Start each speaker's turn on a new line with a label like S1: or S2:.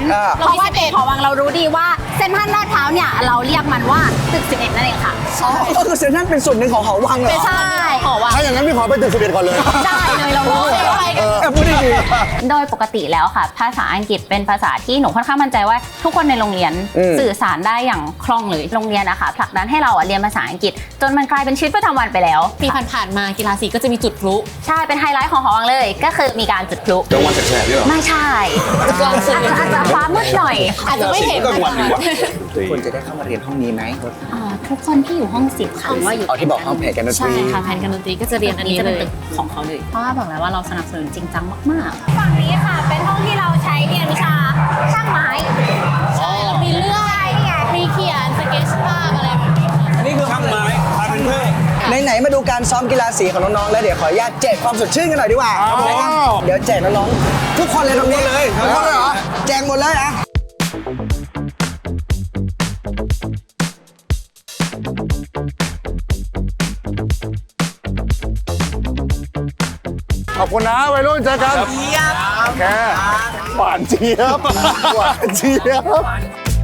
S1: เพราะว่าเด็กหอวังเรารู้ดีว่าเซ็นทรัลลาดพร้าวเนี่ยเราเรียกมันว่าตึก 11 นั่นเองค่ะ
S2: อ๋อก็คือเซ็นทรัลเป็นส่วนหนึ่งของหอวังเหรอ
S1: ใช่หอวัง
S3: ถ้าอย่างนั้นพี่ขอไปตึก11ก่อนเลย
S1: ได้เลยเรารู้เลยว่าอะไรกัน
S2: พูดดี
S1: โดยปกติแล้วค่ะภาษาอังกฤษเป็นภาษาที่หนูค่อนข้างมั่นใจว่าทุกคนในโรงเรียนสื่อสารได้อย่างคล่องเลยโรงเรียนนะคะผลักดันให้เราเรียนภาษาอังกฤษจนมันกลายเป็นชีวิตประจำวันไปแล้ว
S4: ปีผ่านๆมากีฬาสีก็จะมีจุดพลุ
S1: ใช่เป็นไฮไลท์ของหอวังเลยก็คือมีการจุดพลุ
S3: จังหวัดแสบๆนี่เหรอ
S1: ไม่ใช่
S4: กลางคืน
S1: อาจจะฟ้ามืดหน่อย
S4: อาจจะไม่เห็น
S3: ก็วันหนึ่งวะ
S2: ๆทุกคนจะได้เข้ามาเรียนห้องนี้ไหม
S1: ทุกคนที่อยู่ห้อง10ค่ะว่าอยู่
S2: อ๋อที่บอกห้องแผนกันดนต
S4: ใช่
S2: รี
S4: ค่ะแผนการดนตรีก็จะเรียนอันนี้
S1: จะ
S4: เล
S1: เป็น
S4: ย
S1: ตึกของเขาเลยเพราะว่าบอกแล้วว่าเราสนับสนุนจริงจังมากๆฝั่งนี้ค่ะเป็นห้องที่เราใช้เรียนวิชาช่างไม้
S4: มีเรื่องมีเขียนสเก็ตภาพอะไรแบบนี้
S2: นี่คือช่างไม้คาร์เพนเตอร์ไหนๆมาดูการซ้อมกีฬาสีของน้องๆแล้วเดี๋ยวขออนุญาตแจกความสดชื่นกันหน่อยดีกว่านะครับเดี๋ยวแจกน้องๆทุกคนเลยตรงนี้เลยทุกคนเลยเหรอแจกหมดเลยอ่ะ
S3: ขอบคุณนะวัยรุ่นเจอกันโอเคหวานเจี๊ยบหวานเจี๊ยบ